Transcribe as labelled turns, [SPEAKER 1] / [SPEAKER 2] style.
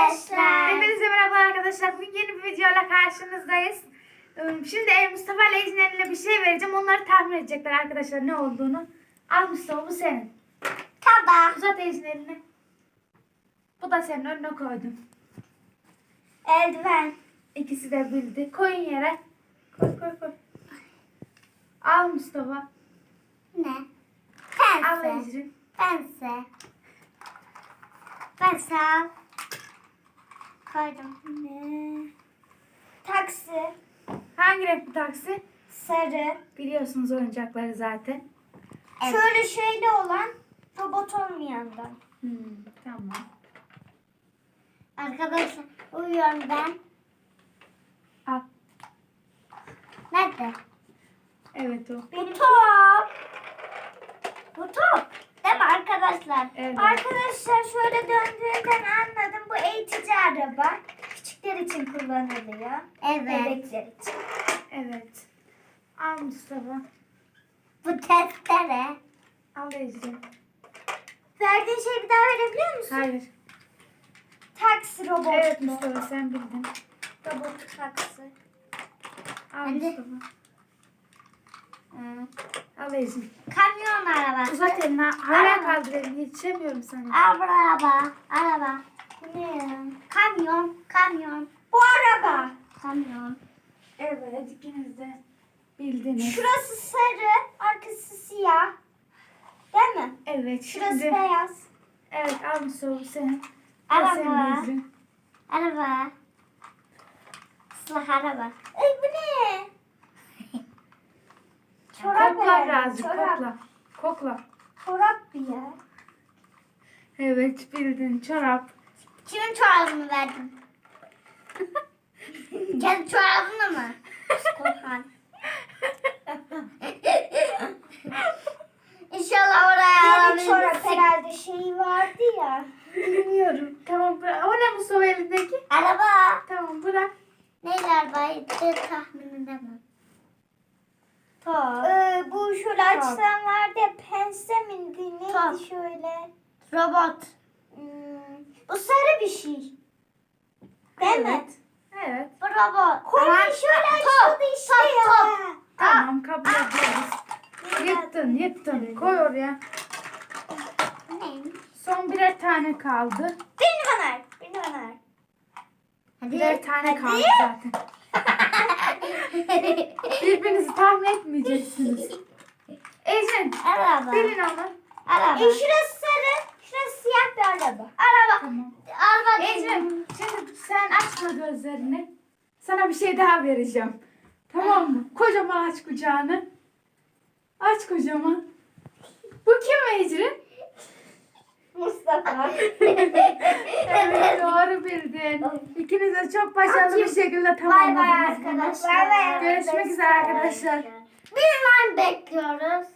[SPEAKER 1] arkadaşlar.
[SPEAKER 2] Hepinize merhaba arkadaşlar. Bugün yeni bir videoyla karşınızdayız. Şimdi Mustafa ile Ecrin'e bir şey vereceğim. Onları tahmin edecekler arkadaşlar ne olduğunu. Al Mustafa, bu senin.
[SPEAKER 1] Tamam.
[SPEAKER 2] Uzat Ecrin elini. Bu da senin, önüne koydum.
[SPEAKER 1] Eldiven.
[SPEAKER 2] İkisi de bildi. Koyun yere. Koy. Al Mustafa.
[SPEAKER 1] Ne?
[SPEAKER 2] Al
[SPEAKER 1] Pense.
[SPEAKER 2] Ecrin.
[SPEAKER 1] Pense. Pense al. Koydum. Ne? Taksi.
[SPEAKER 2] Hangi renk bu taksi?
[SPEAKER 1] Sarı.
[SPEAKER 2] Biliyorsunuz oyuncakları zaten.
[SPEAKER 1] Evet. Şöyle şeyli olan, robot olmayandan.
[SPEAKER 2] Tamam.
[SPEAKER 1] Arkadaşlar uyuyorum ben.
[SPEAKER 2] Al.
[SPEAKER 1] Nerede?
[SPEAKER 2] Evet o.
[SPEAKER 1] Bu top. Bu top. Değil mi arkadaşlar?
[SPEAKER 2] Evet.
[SPEAKER 1] Arkadaşlar şöyle döndüğünden anladım. Bu eğitici araba. Küçükler için kullanılıyor. Evet. Bebekler için.
[SPEAKER 2] Evet. Al Mustafa.
[SPEAKER 1] Bu testere.
[SPEAKER 2] Al Ecrin.
[SPEAKER 1] Verdiğin şeyi bir daha verebiliyor musun?
[SPEAKER 2] Hayır.
[SPEAKER 1] Taksi robotu.
[SPEAKER 2] Evet Mustafa, sen bildin.
[SPEAKER 1] Robot taksi.
[SPEAKER 2] Al
[SPEAKER 1] Hadi.
[SPEAKER 2] Mustafa. Al Ecrin.
[SPEAKER 1] Kamyon arabası.
[SPEAKER 2] Uzat elini. Hala kaldır elini. Yetişemiyorum sana.
[SPEAKER 1] Araba. Bu ne ya? Kamyon. Bu araba. Kamyon.
[SPEAKER 2] Evet, ikiniz de bildiniz.
[SPEAKER 1] Şurası sarı, arkası siyah. Değil mi?
[SPEAKER 2] Evet,
[SPEAKER 1] Şurası
[SPEAKER 2] şimdi.
[SPEAKER 1] beyaz.
[SPEAKER 2] Evet, al Mustafa, bu senin. Bu
[SPEAKER 1] Araba.
[SPEAKER 2] senin Ecrin.
[SPEAKER 1] Araba. Islah araba. Ay bu ne? Çorap
[SPEAKER 2] Kokla
[SPEAKER 1] herhalde,
[SPEAKER 2] birazcık,
[SPEAKER 1] çorap.
[SPEAKER 2] kokla. Kokla.
[SPEAKER 1] Çorap bir ya.
[SPEAKER 2] Evet, bildin. Çorap.
[SPEAKER 1] Kimin çorabını verdin? Kendi çorabını mı? Korkan. İnşallah oraya alabiliriz. Çorap herhalde şeyi vardı ya.
[SPEAKER 2] Bilmiyorum. Tamam, bırak. O ne Mustafa elindeki?
[SPEAKER 1] Araba.
[SPEAKER 2] Tamam, bırak.
[SPEAKER 1] Neyle arabaydı tahmin edemem. Bu şöyle açılan vardı ya, pense miydi neydi şöyle? Robot. Bu sarı bir şey. Değil mi?
[SPEAKER 2] Evet.
[SPEAKER 1] Bu robot. Kolye şöyle açıldı işte ya.
[SPEAKER 2] Tamam, kabul ediyoruz. Yıttın. Koy oraya.
[SPEAKER 1] Neymiş?
[SPEAKER 2] Son birer tane kaldı.
[SPEAKER 1] Beni bana. Hadi.
[SPEAKER 2] Birer tane kaldı zaten. Birbirinizi tahmin etmeyeceksiniz. Ecrin,
[SPEAKER 1] Araba.
[SPEAKER 2] bilin onu.
[SPEAKER 1] Araba. Şurası sarı, şurası siyah bir araba. Araba.
[SPEAKER 2] Tamam.
[SPEAKER 1] Araba.
[SPEAKER 2] Ecrin, şimdi sen açma gözlerini. Sana bir şey daha vereceğim. Tamam mı? Kocaman aç kucağını. Aç kocaman. Bu kim Ecrin?
[SPEAKER 1] Mustafa.
[SPEAKER 2] Evet, doğru bildin. İkiniz de çok başarılı bir şekilde
[SPEAKER 1] Bay bay
[SPEAKER 2] tamamladınız bunu.
[SPEAKER 1] arkadaşlar.
[SPEAKER 2] Görüşmek üzere arkadaşlar.
[SPEAKER 1] Bir like bekliyoruz.